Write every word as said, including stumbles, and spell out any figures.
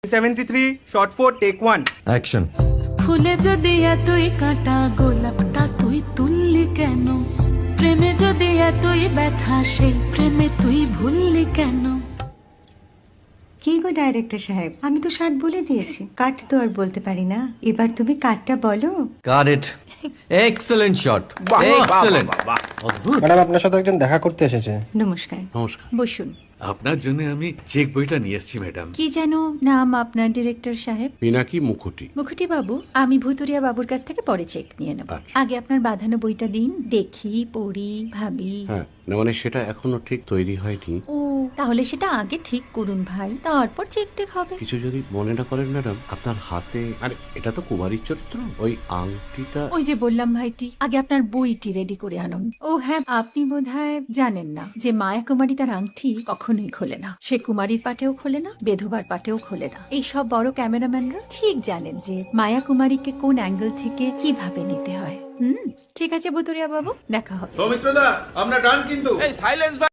Seventy three short four take one action. ফুলে যদি এতই কাঁটা গোলাপটা তুই তুললি কেন? প্রেমে যদি এতই ব্যথা সেই প্রেমে তুই ভুললি কেন? কি গো ডাইরেক্টর সাহেব, আমি তো ষাট বলে দিয়েছি, কাট তো আর বলতে পারি না, এবার তুমি কাটটা বলো। Got it. Excellent shot, excellent. Madam আপনার সাথে একজন দেখা করতে এসেছে। নমস্কার। নমস্কার। বসুন। আপনার জন্য আমি চেক বইটা নিয়ে এসেছি ম্যাডাম। কি যেন নাম আপনার ডিরেক্টর সাহেব? পিনাকি মুখোটি। মুখুটি বাবু, আমি ভুতুরিয়া বাবুর কাছ থেকে পরে চেক নিয়ে নেব। আচ্ছা। আগে আপনার বাঁধানো বইটা দিন, দেখি, পড়ি, ভাবি। হ্যাঁ, না মানে সেটা এখনো ঠিক তৈরি হয়নি। ও, তাহলে সেটা আগে ঠিক করুন ভাই, তারপর চেক টেক হবে। কিছু যদি মনে না করেন ম্যাডাম, আপনার হাতে, আরে এটা তো কুমারীর চরিত্র, ওই আংটিটা। ওই যে বললাম ভাইটি, আগে আপনার বইটি রেডি করে আনুন। ও হ্যাঁ, আপনি বোধহয় জানেন না যে মায়া কুমারী তার আংটি কখনোই খোলে না। সে কুমারীর পাটেও খোলে না, বেধবার পাটেও খোলে না। এই সব বড় ক্যামেরাম্যানরা ঠিক জানেন যে মায়া কুমারীকে কোন অ্যাঙ্গেল থেকে কিভাবে নিতে হয়। হুম, ঠিক আছে ভুতুরিয়া বাবু, দেখা হবে। সৌমিত্রদা আমরা ডান কিন্তু